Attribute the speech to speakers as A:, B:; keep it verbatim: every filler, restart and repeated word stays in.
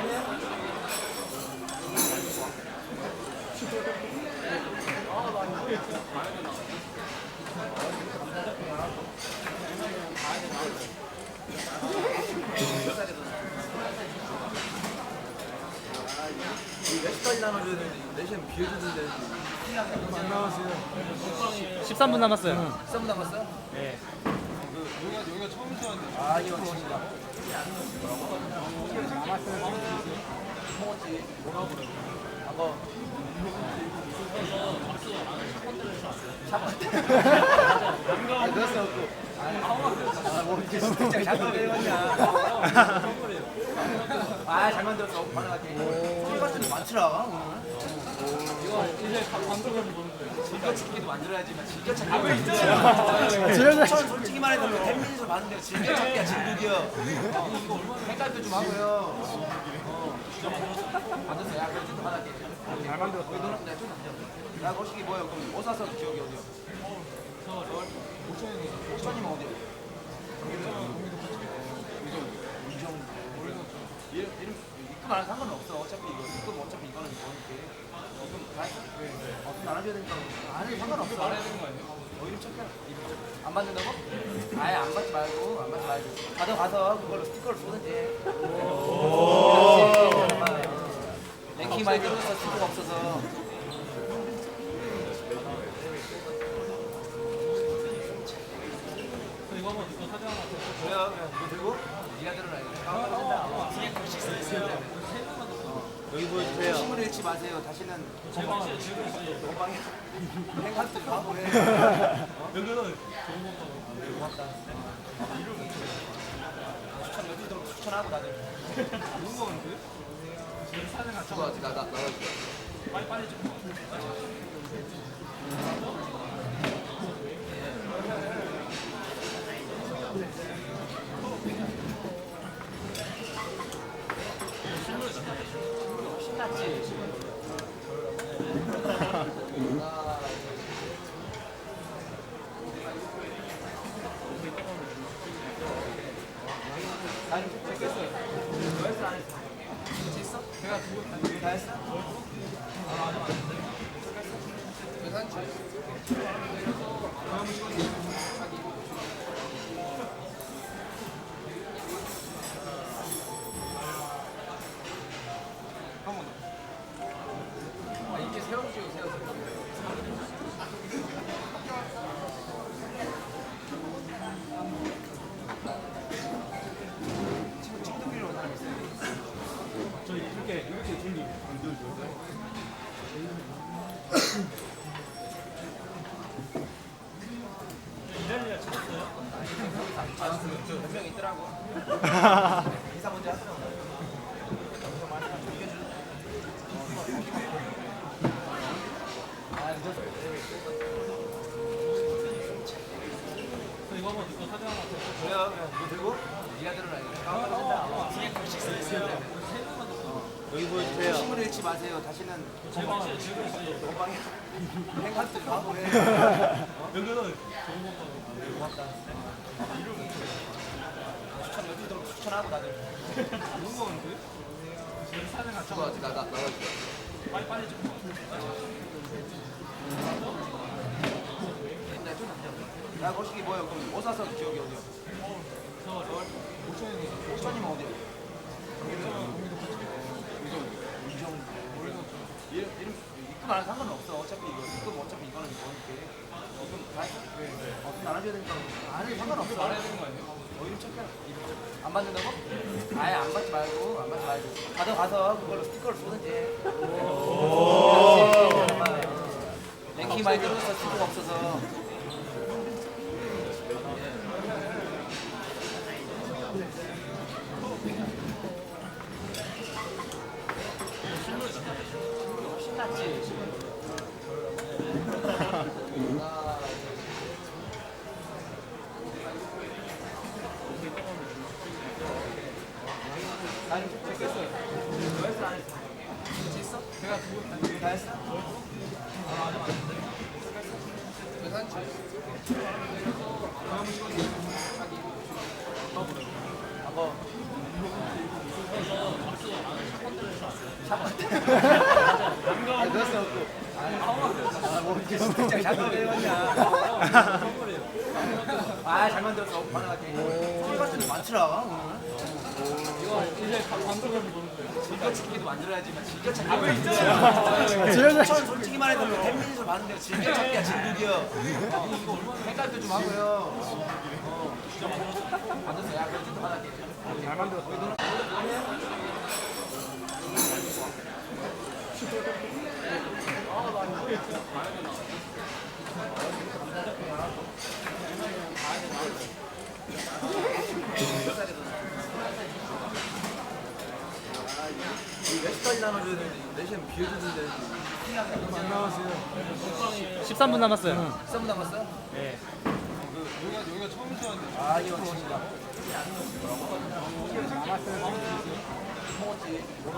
A: 몇 시까지 나눠줘야 되는데 네 시간 비워주는데 안 나왔어요.
B: 십삼 분 남았어요.
A: 십삼 분 남았어요?
B: 네.
A: 여기가 여기가 처음 시작인데. 아 이거 진짜. 먹었지. 뭐라고 그래? 아까. 아, 그랬어 또. 아, 뭐 이제 진짜 잘 만들었냐? 아, 잘 만들었어. 반응할게. 소리 같은 게 많더라. 이거 이제 감독을 보는 거예요. 즐겨찾기도 만들어야지만 즐겨찾기. 아, 왜 있잖아. 전 솔직히 말해서 팬미니에서 봤는데 즐겨찾기야 진국이요. 헷갈도 좀 하고요. 어. 만들었어. 야, 그래 좀 받을게. 잘 만들었어. 너는 내가 좀 남겨. 야, 거시기 뭐야? 그럼 뭐 사서 기억이 어디야? 저 오천이 오천이면 어디야? 이름 이름 입금 안 해도 상관은 없어. 어차피 이거 입금 어차피 이거는 뭐니까. 입금 다 했어? 네. 어, 돈 나눠줘야 되니까 안 해도 상관없어. 안 해야 되는 거 아니야? 어 이름 체크해. 이름 체크. 안 받는다고? 아예 안 받지 말고 안 받지 말고. 가져가서 그걸로 스티커를 쏘든지. 오. 랭킹 많이 떨어져서 스티커가 없어서. 이거 한번 이거 사진 하나 그래요. 이거 들고 니가 들어라. 여기 보여주세요. 힘을 잃지 마세요. 다시는 건방에 행한테 바보래. 여기는 좋은 건가? 고맙다. 추천 여기 들어 추천하고 다들. 좋은 거는데? 사진 같이 나나 나 나가줘. 빨리 빨리 좀. 신났지? 아니, 됐겠어. 너 했어, 안 했어? 했어? 제가 그거 다 했어? 아, 아직 안 했는데? 계산 치 다음 시간에 아, 이게 세워주세요, 세워주세요. 친구, 친구들끼리 오는 사람 있어요? 저 이렇게, 이렇게 둘이 안 들죠? 이달리아 찾았어요? 찾았어요. 몇 명 있더라고. 인사 먼저 하더라고. 이거 한번 이거 사진 하나 그래요. 이거 들고 니가 들어라. 여기 보여주세요. 힘을 잃지 마세요. 다시는 건방에 행한테 바보래. 여기는 좋은 건가? 고맙다. 추천 여기 들어 추천하고 다들. 좋은 거는데? 사진 같이 나가줘. 나 나가줘. 빨리 빨리 좀. 야, 거시기 뭐야? 그럼 뭐 사서 기억이 어디야? 저 오천이 오천이면 어디야? 이름 이름 입금 안 해도 상관은 없어. 어차피 이거 입금 어차피 이거는 뭐니까. 입금 다 했어? 네. 어, 돈 나눠줘야 되니까 안 해도 상관없어. 안 해야 되는 거 아니야? 어 이름 체크해. 이름 체크. 안 받는다고? 아예 안 받지 말고 안 받지 말고. 가져가서 그걸로 스티커를 쏘든지. 오. 랭킹 많이 떨어져서 스티커가 없어서. 신났지? 아니, 됐겠어. 너 했어, 안 했어? 했어? 제가 그거 다 했어? 아, 아직 안 했는데? 계산 치 다음 시간에 아까 아, 그럴 수 없고. 아, 뭐 이렇게 진짜 잘 만들었냐. 아, 잘 만들었어. 반응할게. 소리 같은 데 많더라, 오늘.
B: 이거 이제 감독님 보는 거예요.
A: 즐겨찾기도 만들어야지만 즐겨찾기가 왜 있잖아. 전 솔직히 말해서 팬미니에서 봤는데 즐겨찾기야 진국이요. 생각도 좀 하고요. 어. 만들었어. 야, 그래 좀 받아게. 잘 만들었어. 몇 시까지 나눠줘야 되는데 네 시간 비워주는데 안 나왔어요.
B: 십삼 분 남았어요.
A: 십삼 분 남았어요?
B: 네.
A: 여기가 여기가 처음 시작인데. 아 이거 진짜.